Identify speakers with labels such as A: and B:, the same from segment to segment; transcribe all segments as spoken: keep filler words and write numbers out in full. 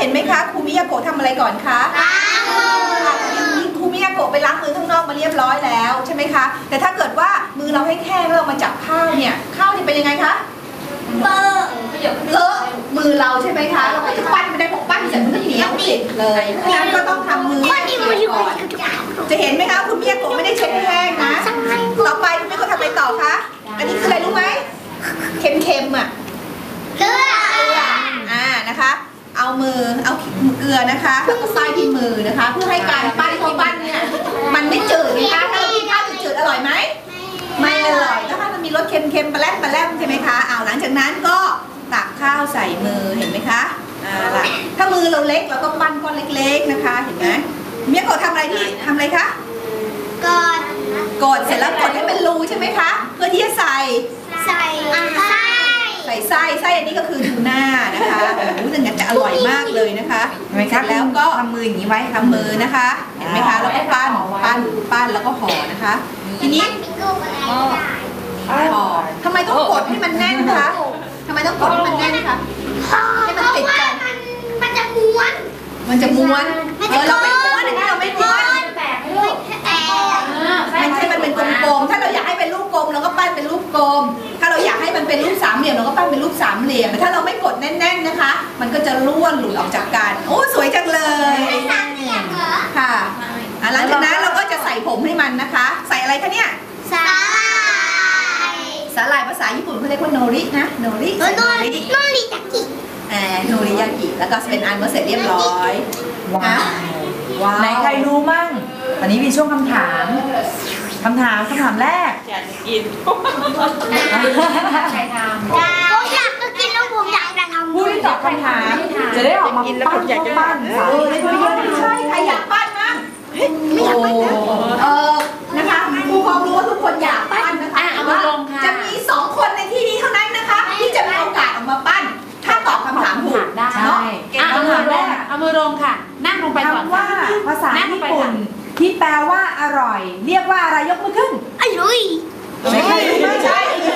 A: เห็นไหมคะครูมิยาโกะทำอะไรก่อนคะล้างมือครูมิยาโกะไปล้างมือข้างนอกมาเรียบร้อยแล้วใช่ไหมคะแต่ถ้าเกิดว่ามือเราให้แห้งแล้วเรามาจับข้าวเนี่ยข้าวนี่เป็นยังไงคะเบอร์เลอะมือเราใช่ไหมคะเราก็จะปั้นไม่ได้พกปั้นเสร็จมันก็เหนียวติดเลยเพราะฉะนั้นก็ต้องทำมือให้เปียกก่อนจะเห็นไหมคะคุณมิยาโกะไม่ได้เช็ดให้แห้งนะต่อไปคุณมิยาโกะทำอะไรต่อคะอันนี้คืออะไรรู้ไหมเค็มๆอ่ะเกลืออ่านะคะเอามือเอาเกลือนะคะแล้วก็ใส่ที่มือนะคะเพื่อให้การปั้นข้าวปั้นเนี่ยมันไม่จืดนะคะถ้าเรากินข้าวจืดๆอร่อยไหมไม่อร่อยนะคะมันมีรสเค็มๆปลาแรมปลาแรมใช่ไหมคะเอาหลังจากนั้นก็ตักข้าวใส่มือเห็นไหมคะอ่าล่ะถ้ามือเราเล็กเราก็ปั้นก้อนเล็กๆนะคะเห็นไหมเมียโกะทำอะไรที่ทำอะไรคะกดกดเสร็จแล้วกดให้เป็นรูใช่ไหมคะเพื่อที่จะใส่ใส่ไส้ใส่ไส้ไส้อันนี้ก็คือทูน่านะคะโอ้โหอย่างนั้นจะอร่อยมากเลยนะคะเสร็จแล้วก็ทำมืออย่างนี้ไว้ทำมือนะคะเห็นไหมคะแล้วก็ปั้นปั้นปั้นแล้วก็ห่อนะคะทีนี้ห่อทำไมต้องกดให้มันแน่นคะทำไมต้องกดให้มันแน่นคะให้มันติดกันมันจะม้วนมันจะม้วนเออเราไม่ม้วนเราไม่ม้วนมันใช่มันเป็นกลมๆถ้าเราอยากให้เป็นรูปกลมเราก็ปั้นเป็นรูปกลมถ้าเราอยากให้มันเป็นรูปสามเหลี่ยมเราก็ปั้นเป็นรูปสามเหลี่ยมถ้าเราไม่กดแน่นๆนะคะมันก็จะร่วนหลุดออกจากกันโอ้สวยจังเลยสามเหลี่ยมเหรอค่ะหลังจากนั้นเราก็จะใส่ผมให้มันนะคะใส่อะไรคะเนี่ยสาหร่ายสาหร่ายภาษาญี่ปุ่นเขาเรียกว่าโนรินะโนริโนริโนริยากิอ่าโนริยากิแล้วก็เป็นอันว่าเสร็จเรียบร้อยว้าว
B: ไหนใครรู้มั่งวันนี้มีช่วงคำถามคำถามคำถามแรก
C: อยากกิน
D: ใครทำผมอยากกินแล้วผมอยากจะทำ
B: ผู้ที่ตอบคำถามจะได้ออกมาปั้นข้าวปั้นสาเพื่อนๆใช่
A: ใครอยากปั้นมั้งไม่อยากปั้นนะเออนะคะครูพอรู้ว่าทุกคนอยากปั้นนะคะว่าจะมีสองคนในที่นี้เท่านั้นนะคะที่จะมีโอกาสออกมาปั้นถ้าตอบคำถามถูก
B: ได้เนาะ
C: คำถามแรกเอามือลงค่ะนั่งลงไปก่อน
B: คำว่าภาษาญี่ปุ่นที่แปลว่าอร่อยเรียกว่าอะไรยกมือขึ้น
D: อร่อย
B: ไม่ใช่ไม่ใช่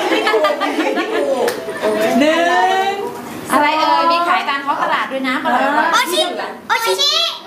B: หนึ่ง
C: อะไรเอ่ยมีขายตามท้องตลาดด้วยนะอร่อย
D: โอชิโอชิ